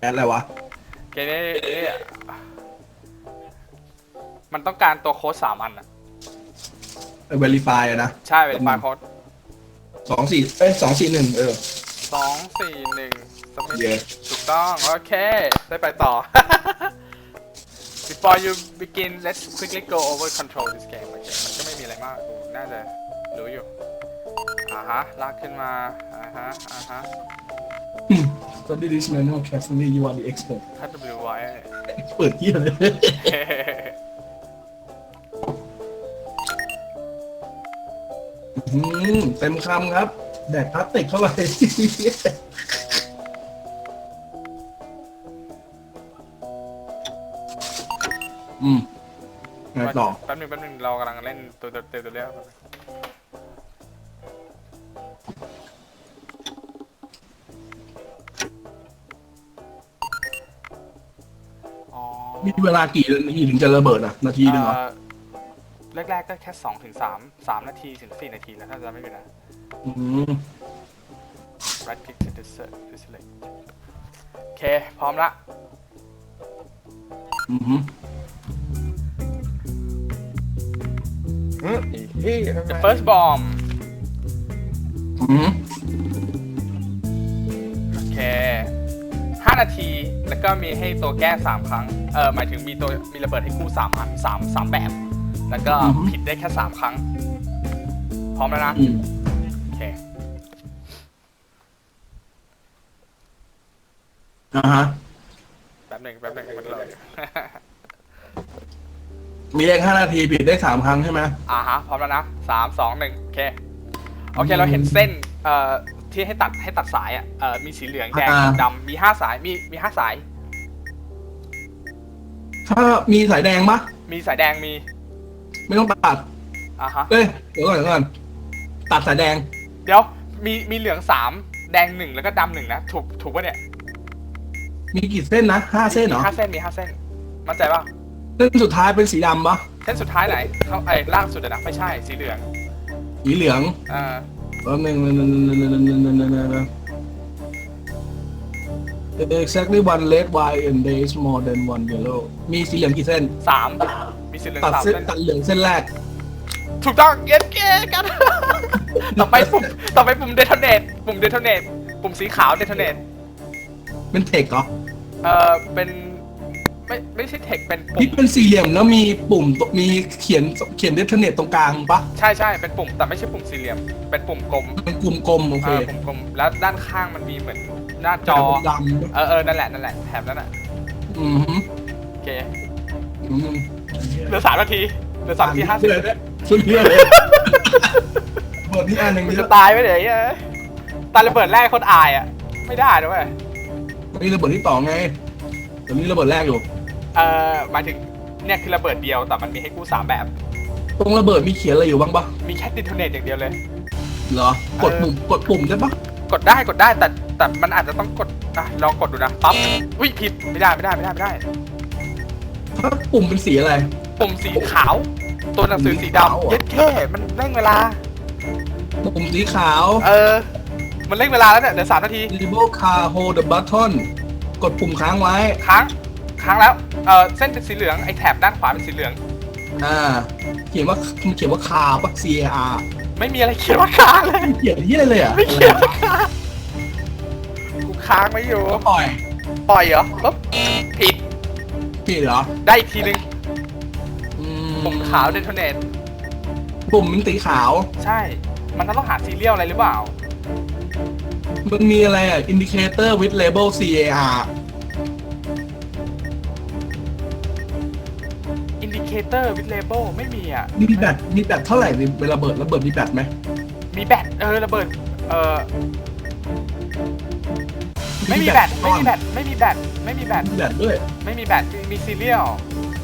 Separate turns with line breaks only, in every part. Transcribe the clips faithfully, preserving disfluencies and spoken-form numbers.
แอดอะไรวะ
เกมนี้นี่มันต้องการตัวโค้ดสามอันอะ
เวลิฟายนะ
ใช่เวลิฟายโค้ด
สองสี่เอ้ยสองสี่หนึ่งเออ
สองสี่หนึ่งสมิธ
Yes
ถูกต้องโอเคได้ไปต่อ Before you begin let's quickly go over control this game โอเคมันก็ไม่มีอะไรมากกูน่าจะรู้อยู่อ่าฮะลากขึ้นมาอ่าฮะอ่าฮะ
Study this manual carefully you are the expert
ถ้า W ไว้
เปิดเยี่ยเลย อืมเต็มคำครับแดกพลาสติกเข้าไปอืมไงต่อ
แป๊บนึงแป๊บนึงเรากำลังเล่นตัวเต็มตัวเรียก
มีเวลากี่นาทีถึงจะระเบิดอ่ะนาทีหนึ่งเหรอ
แรกๆก็แค่สองถึงสามสามนาทีถึงสี่นาทีแล้วถ้าจะไม่ผิดนะ
อืม
right click to select to select โอเคพร้อมละ
อือหือ
The first bomb
อือหือ
โอเคห้านาทีแล้วก็มีให้ตัวแก้สามครั้งเออหมายถึงมีตัวมีระเบิดให้คู่สามอันสามสามแบบแล้วก็ผิดได้แค่สามครั้งพร้อมแล้วนะโอเค
อ่าฮะ
แป๊บหนึ่งแป๊บหนึ่งมันเลย
มีเลขห้านาทีผิดได้สามครั้งใช่ไหม
อ่าฮะพร้อมแล้วนะสามสองหนึ่งโอเคโอเคเราเห็นเส้นเอ่อที่ให้ตัดให้ตัดสายอ่ะเอ่อมีสีเหลืองแดงดำมีห้าสายมีมีห้าสาย
ถ้ามีสายแดงปะ
มีสายแดงมี
ไม่ต้องตัด
อ่าฮะ
เอ้ยเดี๋ยวก่อนเดี๋ยวก่อนตัดสายแดง
เดี๋ยวมีมีเหลืองสามแดงหนึ่งแล้วก็ดำหนึ่งนะถูกถูกป่ะเนี่ย
มีกี่เส้นนะห้าเส้นเหรอ
มีห้าเส้นมีห้าเส้นมั่นใจป่ะ
เส้นสุดท้ายเป็นสีดำปะ
เส้นสุดท้ายไหนเขาไอ้ล่างสุดนะไม่ใช่สีเหลือง
สีเหลือง
อ่า
แป๊บนึงนึงนึงนึงนึงนึงนึงนึงนึงนึง exactly one red white and there is more than one yellow มีสีเหลืองกี่เส้น
สามมีสีเหลือง
ตัด
สาม
เส้น
เส้น
ตัดเหลืองเส้นแรก
ถูกต้องเย็นเก้กัน ต่อไปปุ่มต่อไปปุ่มเดทเนตปุ่มเดทเนตปุ่มสีขาวเดทเนต
เป็นเทคเหรอ
เออเป็นไม่ไม่ใช่เทคเป็นปุ่
ที่
ม
เป็นสี่เหลี่ยมแล้วมีปุ่มมีเขียนเขียนเดทเนตตรงกลางปะ
ใช่ใช่เป็นปุ่มแต่ไม่ใช่ปุ่มสี่เหลี่ยมเป็นปุ่มกลม
เป็นกลุ่มกลมโอเค
ปุ่มกลมแล้วด้านข้างมันมีเหมือนหน้าจอ
ดำ
เออเออนั่นแหละนั่นแหละแถบนั้นอ่ะ
อืม
โอเค
อืม
เหลือสามนาทีเหลือสามนาทีห้าสิบ
สุดเพี้ยเลยเปิดที่อันหนึ่ง
จะตายไปไหนอ่ะตายระเบิดแรกคนอายอ่ะไม่ได้ด้วย
นี่ระเบิดที่ต่อไงแต่นี่ระเบิดแรกอยู่
เอ่อหมายถึงเนี่ยคือระเบิดเดียวแต่มันมีให้กู้สามแบบ
ตรงระเบิดมีเขียนอะไรอยู่บ้างปะ
มีแค่ดิโทเนตอย่างเดียวเลย
เหรอกดปุ่มกดปุ่มได้ปะ
กดได้กดได้แต่แต่มันอาจจะต้องกดอ่ะลองกดดูนะปั๊บอุ้ยผิดไม่ได้ไม่ได้ไม่ได้ไม่ได้
ถ้าปุ่มเป็นสีอะไร
ปุ่มสีขาวตัวหนังสือสีดำเย็ดแค่มันเร่งเวลา
ปุ่มสีขาว
เออมันเร่งเวลาแล้วเนี่ยเดี๋ยวสามนาที
Label car hold the button กดปุ่มค้างไว้
ค้างค้างแล้วเออเส้นเป็นสีเหลืองไอ้แถบด้านขวาเป็นสีเหลือง
อ่าเขียนว่าเขียนว่าคาปะ C A R
ไม่มีอะไรเขียนว่าค้างเลย
เขียนที่อะไรเลยอ่ะ
ไม่เขียนว่าค้างกูค้างไม่อยู่
ปล่อย
ปล่อยเหรอปุ๊บผิด
ผิดเหรอ
ได้อีกทีนึงปุ่มขาวเดทเนต
ปุ่มมันสีขาว
ใช่มันต้องหาซีเรียลอะไรหรือเปล่า
มันมีอะไรอ่ะ indicator with label C A R
indicator with label ไม่มีอ่ะ
มีแบตมีแบตเท่าไหร่เวลาระเบิดระเบิดมีแบตไหม
มีแบตเออระเบิดเออไม่มีแบตไม่มีแบตไม่มีแบตไม่มีแบต
แบตด้วย
ไม่มีแบตมีซีเรียล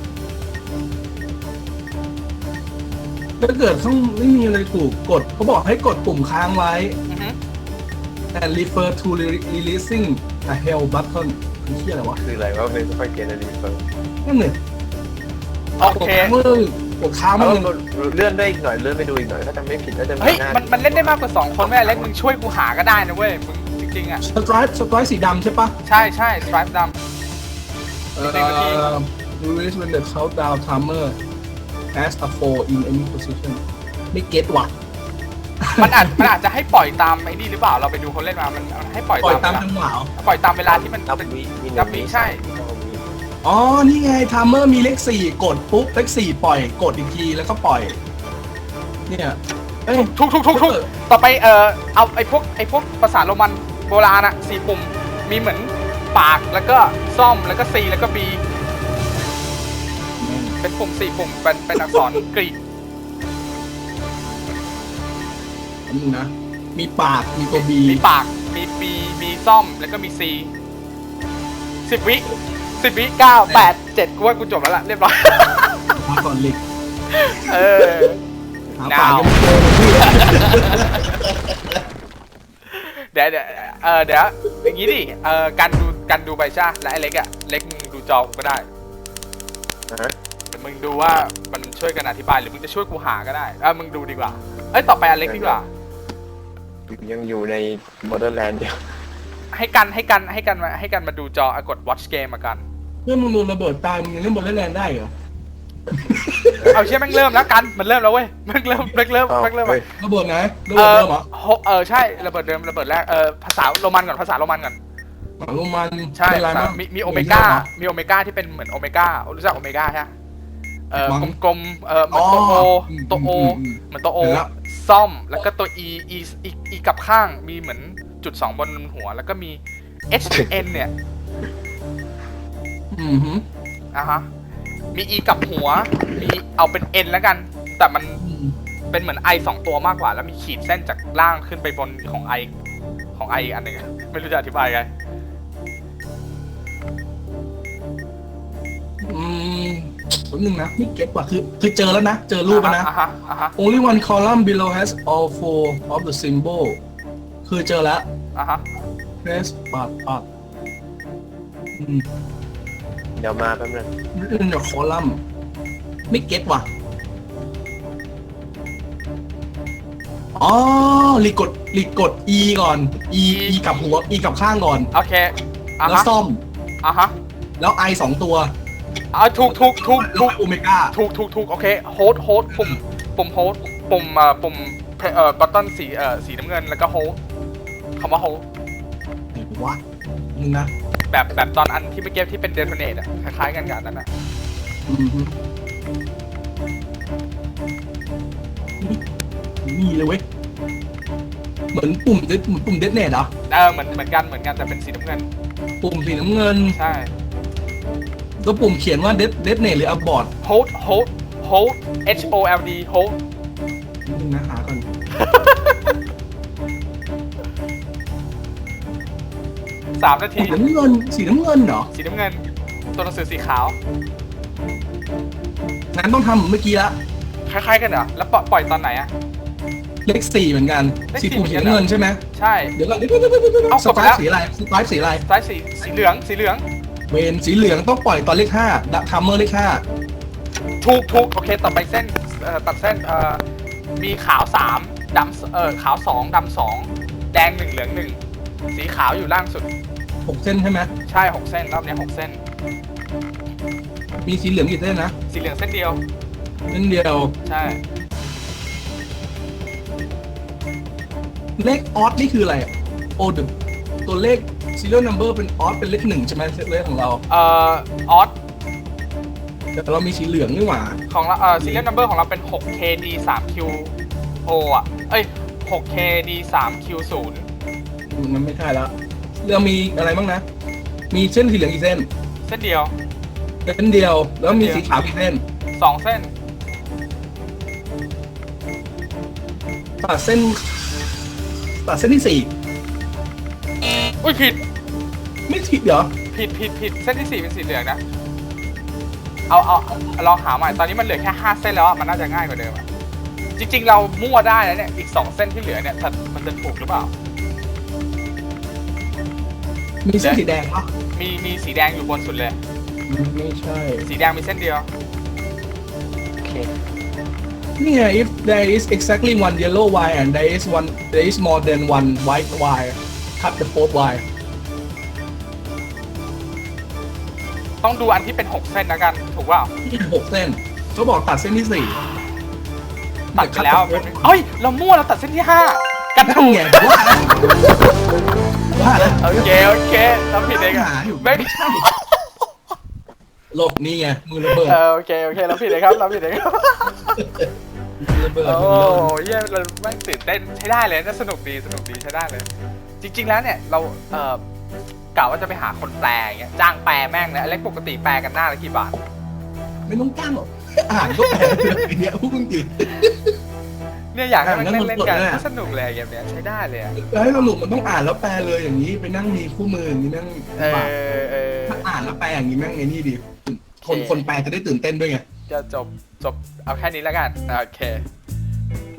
ถ้าเกิดข้างไม่มีอะไรถูกกดเขาบอกให้กดปุ่มค้างไว้ and refer to releasing a hell button คือที่อะไรวะ
คืออะไรวะไม่ค่อยเก็ตอะไรเฟิร์ม
นั่นเนี่ย
โอเค
กดค้างมัน
เลื่อนได้อีกหน่อยเลื่อนไปดูอีกหน่อยถ้าจำไม่ผิดถ้าจะ
เฮ้ยมันมันเล่นได้มากกว่าสองคนแม่เล็กมึงช่วยกูหาก็ได้นะเว้ยมึงริงๆอ่ะ
สไตรป์สไตรป์สีดำใช่ปะ
ใช่ใช่สไตรป์ด
เอ่อ
หนึ่งนาที
release when the countdown timer has a four in any position ไม่เก็ตว่ะ
ำมันอาจมันอาจจะให้ปล่อยตามไอ้นี่หรือเปล่าเราไปดูคนเล่นมามันมันให้ปล่อย
ปล่อย
ตา
ตาม
ม
จังหวะเหรอ
ปล่อยตามเวลาที่มัน
นับ
เป็น
วิมี
นับวิใช่
อ๋อ นี่ไง timer มีเลขสี่กดปุ๊บเลขสี่ปล่อยกดอีกทีแล้วก็ปล่อย เนี่ยเอ้ย
ทุกทุกทุกทุกต่อไปเออเอาไอ้พวกไอ้พวกภาษาโรมันโบราณอะสี่ปุ่มมีเหมือนปากแล้วก็ซ่อมแล้วก็ C แล้วก็ B เป็นปุ่มสี่ปุ่มเป็นเป็นอักษรกรีก
อันนึงนะ มีปาก มีตัว B
มีปากมี B มีซ่อมแล้วก็มี C สิบวิสิบวิเก้าแปดเจ็ดกูว่ากูจบแล้วล่ะเรียบร้อย
มาก่อนลิก
เออ
หาปากยังไม่เจอเลยพี่
เดี๋ยวเดี๋ยวเออเดี๋ยวอย่างนี้ดิเออการดูการดูใบชาและไอ้เล็กอะเล็กมึงดูจอก็ได้
นะฮะ
แต่มึงดูว่ามันช่วยกันอธิบายหรือมึงจะช่วยกูหาก็ได้เออมึงดูดีกว่าเอ้ยต่อไปอเล็กดีกว่า
ยังอยู่ใน Borderland เดียว
ให้กันให้กันให้กันมาให้กันมาดูจออะกด watch game มากัน
เพื่อนมึงโดนระเบิดตายมึงยังเล่นบอลเล่นแลนด์ได้เหรอ
เอาเชื่อแม่งเริ่มแล้วกันมันเริ่มแล้วเว้ยแม่งเริ่มแม่งเริ่ม
อ้าว
แม่งเริ่ม
เฮ้ย
ระเบิดไหนระ
เอ
เบิด
อ
เดิมเหรอ
โฮเออใช่ระเบิดเดิมระเบิดแรกเออภาษาโรมันก่อนภาษาโรมันก่อน
หมาลงมัน
ใช่
เป็นไรมั้ง
มีมีโอเมก้ามีโอเมก้าที่เป็นเหมือนโอเมก้ารู้จักโอเมก้าใช่ไหมเออ
มั้ง
กลมๆเออเหมือนตัวโอ
อ๋ออืม
ตัวโอ
อืมอืม
เหมือนตัวโอ
เห็นแล้ว
ซ่อมแล้วก็ตัว e e e e กับข้างมีเหมือนจุดสองบนหัวแล้วก็มี h n เนี่ย
อืมฮึ
อ่ะฮะมี e กับหัวมีเอาเป็น n แล้วกัน แต่มัน
อืม
เป็นเหมือน i สองตัวมากกว่าแล้วมีขีดเส้นจากล่างขึ้นไปบนของ i ของ i อีกอันหนึ่งไม่รู้จะอธิบายไง
อืมแป๊บนึงนะไม่เก็ตว่ะคือคือเจอแล้วนะ เจอรูปแล้วนะ
อ่ะฮะอ่ะฮะ
only one column below has all four of the symbol คือเจอแล้ว
อ่ะฮะ
press ปัดปัดอืม
เดี๋ยวมาแป๊บนึง
written the column ไม่เก็ตว่ะ อ๋อรีกดรีกด e ก่อน e e กับหัว e กับข้างก่อน
โอเคอ่ะ
แล้ว
ฮะ
ซ่อม
อ่ะฮะ
แล้ว i สองตัว
อ่ะถูกถูกถูก
แล้
ถู
ว
ก
โอเมก้า
ถูกถูกถูกโอเคโฮสโฮสปุ่มปุ่มโฮสปุ่มเอ่อปุ่มเอ่อบัตตันสีเอ่อสีน้ำเงินแล้วก็โฮสคำว่าโฮส
ไหนวะนึงนะ
แบบแบบตอนอันที่เมื่อกี้ที่เป็นเดโทเนตอะคล้ายๆกันกับอันนั้นอะ
อืมฮึนี่เลยเว้ย เหมือนปุ่มเดเหมือนปุ่มเดทเนตเหรอ
เออเหมือนเหมือนกันเหมือนกันแต่เป็นสีน้ำเงิน
ปุ่มสีน้ำเงิน
ใช่
แล้วปุ่มเขียนว่าเดทเดทเนตหรืออับบอร์ด
โฮสโฮสโฮส H O L D โฮส
นึงนะหาก่อน
สามนาที
สีน้ำเงิน สีน้ำเงินเหรอ
สีน้ำเงิน ตัวหนังสือสีขาว
งั้นต้องทำเหมือนเมื่อกี้ละ
คล้ายๆกันเหรอแล้วปล่อยปล่อยตอนไหนอะ
เลขสี่เหมือนกัน
เลข
สี
สี่
ปุ่ม
เหมื
สี
อนกัน
น้ำเงินใช่ไหม
ใช่
เดี๋ยวก่อนเดี๋ยวเดี๋ยวเดี๋ยวเดี๋ยวเดี๋ยว
เอา
ส
กดไป
ไต
แล้ว
ล์สีอะไรสไตล์สีอะไร
ซ้ายสีสีเหลืองสีเหลือง
เวนสีเหลืองต้องปล่อยตอนเลขห้าดับทัมเมอร์เลขห้า
ถูกถูกโอเคต่อไปเส้นเอ่อตัดเส้นเอ่อมีขาวสามดำเอ่อขาวสองดำสองแดงหนึ่งเหลืองหนึ่งสีขาวอยู่ล่างสุด
หกเส้นใช่ไหม
ใช่หกเส้นรอบนี้หกเส้น
มีสีเหลืองกี่เส้นนะ
สีเหลืองเส้นเดียว
เส้นเดียว
ใช่
เลขออสนี่คืออะไรอ่ะโอดตัวเลข serial number เป็นออสเป็นเลขหนึ่งใช่ไหมเลขของเรา
เอ่อออส
แต่เรามีสีเหลืองนี่หว่า
ของเราเอ่อ serial number ของเราเป็น หก เค ดี สาม คิว โอ อ่ะเอ้ย หก เค ดี สาม คิว ศูนย์
มันไม่ใช่แล้วเรามีอะไรบ้างนะ มีเส้นสีเหลืองกี่เส้น
เส้นเดียว
เส้นเดียว แล้วมีสีขาวกี่เส้น
สองเส้น
ตัดเส้นตัดเส้นที่สี่
อุ้ยผิด
ไม่ผิดเหรอ
ผิดผิดผิดเส้นที่สี่เป็นสีเหลืองนะ เอาเอาลองหาใหม่ตอนนี้มันเหลือแค่ห้าเส้นแล้วอะมันน่าจะง่ายกว่าเดิมอะจริงๆเรามั่วได้แล้วเนี่ยอีกสองเส้นที่เหลือเนี่ยแต่มันจะถูกหรือเปล่า
มีเส้นสีแดงปะ
มีมีสีแดงอยู่บนสุดเลย
ไม่ใช่
สีแดงมีเส้นเดียว
โอเค
นี่ไง if there is exactly one yellow wire and there is one there is more than one white wire cut the fourth wire
ต้องดูอันที่เป็นหกเส้นนะกันถูกเปล่า
ที่หกเส้นเขาบอกตัดเส้นที่สี่
ตัดไปแล้วเอ้ยเรามั่วเราตัดเส้นที่ห้ากัน
นั่น
ถูก
ไงว่าแล้วว่าแล้ว
โอเคโอเคเราผิดเองอะ
หาอยู่
ไม่
ไม่ใช่โลกนี่ไงมือระเบิด
เออโอเคโอเคเราผิดเองครับเราผิดเองครับ
มือระเบิด
โอ้
มือระเบิด
ยเยี่ยเราแม่งตื่นเต้นใช้ได้เลยน่าสนุกดีสนุกดีใช้ได้เลย จริง ๆแล้วเนี่ยเราเอ่อกะว่าจะไปหาคนแปลอย่างเงี้ยจ้างแปลแม่งนะเล็กปกติแปลกันหน้าละกี่บาท
ไม่ต้องจ้างหรอกอ่านก็แปลเลยเนี่ยพวกมึงดิ
เนี่ยอยากให้มัน
อ่านแล้ว
เล่นๆกัน
สดๆเลยอะ
ก็สนุกเลยเกมเนี้ยใช้ได้เลยอะ
จะให้สรุปมันต้องอ่านแล้วแปลเลยอย่างนี้ไปนั่งมีคู่มืออย่างนี้นั่ง
เอ
ลำบาก
อเออ
ถ้าอ่านแล้วแปลอย่างนี้แม่งไงนี่ดิคน
โอเค
คนแปลจะได้ตื่นเต้นด้วยไง
จะจบจบเอาแค่นี้แล้วกันโอเค